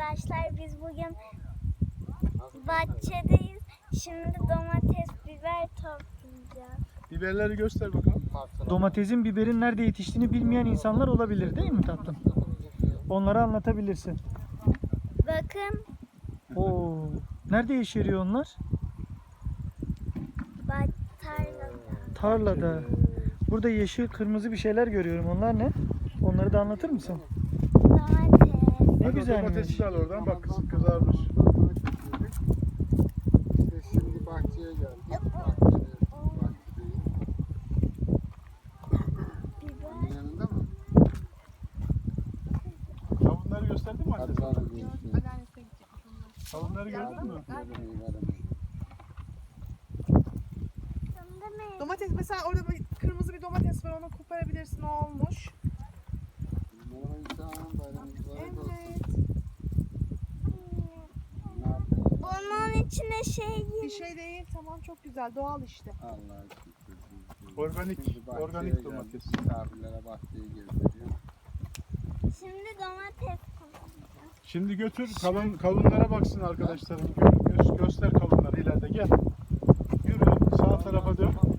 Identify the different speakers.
Speaker 1: arkadaşlar, biz bugün bahçedeyiz. Şimdi domates, biber toplayacağız.
Speaker 2: Biberleri göster bakalım.
Speaker 3: Domatesin, biberin nerede yetiştiğini bilmeyen insanlar olabilir değil mi tatlım? Onlara anlatabilirsin.
Speaker 1: Bakın,
Speaker 3: Oo, nerede yeşeriyor onlar?
Speaker 1: tarlada.
Speaker 3: Tarlada. Burada yeşil, kırmızı bir şeyler görüyorum. Onlar ne? Onları da anlatır mısın?
Speaker 1: Domates.
Speaker 3: Ne
Speaker 2: Hadi
Speaker 3: güzelmiş.
Speaker 2: domatesi al oradan, bak kızarmış.
Speaker 4: İşte şimdi bahçeye geldik.
Speaker 1: Biber.
Speaker 4: Yanında mı?
Speaker 2: Kavunları gösterdin mi anne?
Speaker 4: Hadi bana bir
Speaker 2: Kavunları gördün mü?
Speaker 1: Şimdi mi?
Speaker 5: Domates mesela orada bir kırmızı bir domates var, onu koparabilirsin, o olmuş.
Speaker 4: Merhaba insan, bayramınız mübarek olsun.
Speaker 5: Evet.
Speaker 4: Ne yapıyorsun?
Speaker 1: Bunun içine
Speaker 5: Bir şey değil, tamam, çok güzel, doğal işte.
Speaker 4: Allah'a şükür.
Speaker 2: Organik,
Speaker 4: Şimdi bahçeye
Speaker 2: organik
Speaker 4: geldik,
Speaker 2: domates.
Speaker 4: Misafirlere bahçeyi gezdiriyor.
Speaker 1: Şimdi domates kullanacağız.
Speaker 2: Şimdi götür kavunlara baksın arkadaşlarım. Göster kavunları ileride, gel. Yürü sağ tarafa dön.